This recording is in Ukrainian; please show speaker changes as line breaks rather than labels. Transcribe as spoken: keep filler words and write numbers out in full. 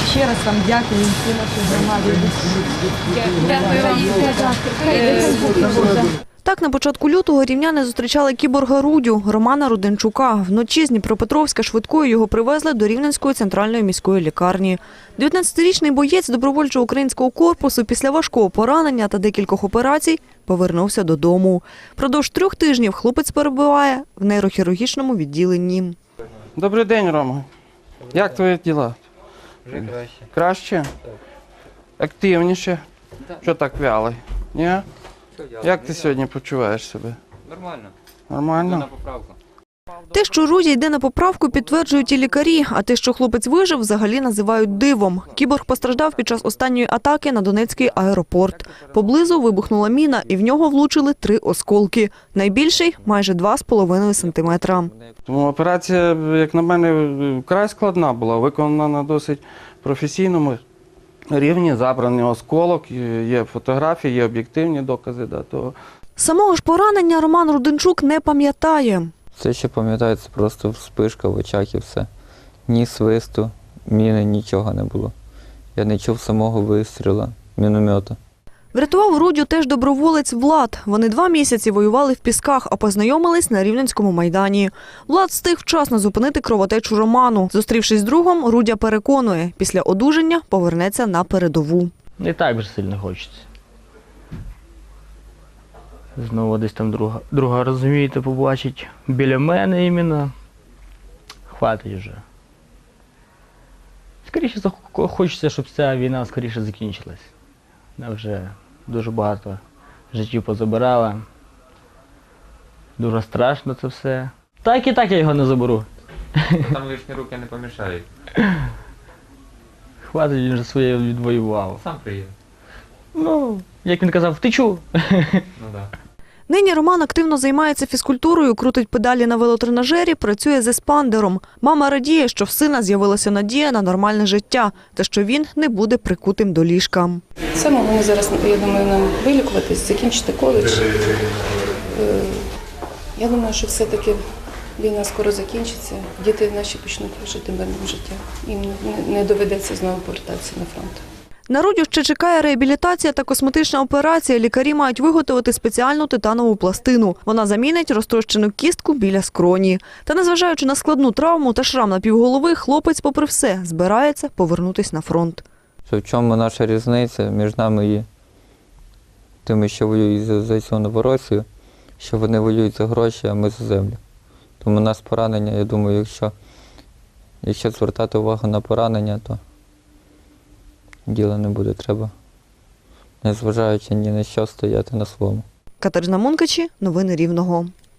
ще раз вам дякую всій нашій громаді. Дякую вам.
Так, на початку лютого рівняни зустрічали кіборга Рудю Романа Руденчука. Вночі з Дніпропетровська швидкою його привезли до Рівненської центральної міської лікарні. дев'ятнадцятирічний боєць добровольчого українського корпусу після важкого поранення та декількох операцій повернувся додому. Продовж трьох тижнів хлопець перебуває в нейрохірургічному відділенні.
Добрий день, Рома. Як твої діла?
Вже краще.
Краще?
Так.
Активніше?
Так.
Що так вялий? Ні?
Все, я
Як ти
не
сьогодні почуваєш себе?
Нормально.
Нормально?
На поправку.
Те, що Рудя йде на поправку, підтверджують і лікарі, а те, що хлопець вижив, взагалі називають дивом. Кіборг постраждав під час останньої атаки на Донецький аеропорт. Поблизу вибухнула міна, і в нього влучили три осколки. Найбільший – майже два з половиною сантиметра.
Тому операція, як на мене, вкрай складна була, виконана на досить професійному рівні, забраний осколок, є фотографії, є об'єктивні докази до того.
Самого ж поранення Роман Руденчук не пам'ятає.
Все, що пам'ятаю, це просто вспишка в очах і все. Ні свисту, міни, нічого не було. Я не чув самого вистрілу міномета.
Врятував Рудю теж доброволець Влад. Вони два місяці воювали в Пісках, а познайомились на Рівненському майдані. Влад встиг вчасно зупинити кровотечу Роману. Зустрівшись з другом, Рудя переконує, після одужання повернеться на передову.
Не так вже сильно хочеться. Знову десь там друга, друга розумієте, побачить біля мене іменно. Хватить вже. Скоріше хочеться, щоб ця війна скоріше закінчилась. Вона вже дуже багато життів позабирала. Дуже страшно це все. Так і так я його не заберу.
Там лишні руки не помішають.
Хватить, він вже своє відвоював.
Сам приїде.
Ну, як він казав, втечу.
Ну так.
Нині Роман активно займається фізкультурою, крутить педалі на велотренажері, працює з еспандером. Мама радіє, що в сина з'явилася надія на нормальне життя та що він не буде прикутим до ліжка.
Саме головне зараз, я думаю, нам вилікуватись, закінчити коледж. Е, Я думаю, що все-таки війна скоро закінчиться, діти наші почнуть жити мирним життям. Їм не- не доведеться знову повертатися на фронт.
На Рудю ще чекає реабілітація та косметична операція. Лікарі мають виготовити спеціальну титанову пластину. Вона замінить розтрощену кістку біля скроні. Та незважаючи на складну травму та шрам на півголови, хлопець, попри все, збирається повернутися на фронт.
Що в чому наша різниця між нами і тими, що воюють за, за цю Новоросію, що вони воюють за гроші, а ми за землю. Тому у нас поранення, я думаю, якщо, якщо звертати увагу на поранення, то діла не буде. Треба, незважаючи ні на що, стояти на своєму.
Катерина Мункачі, новини Рівного.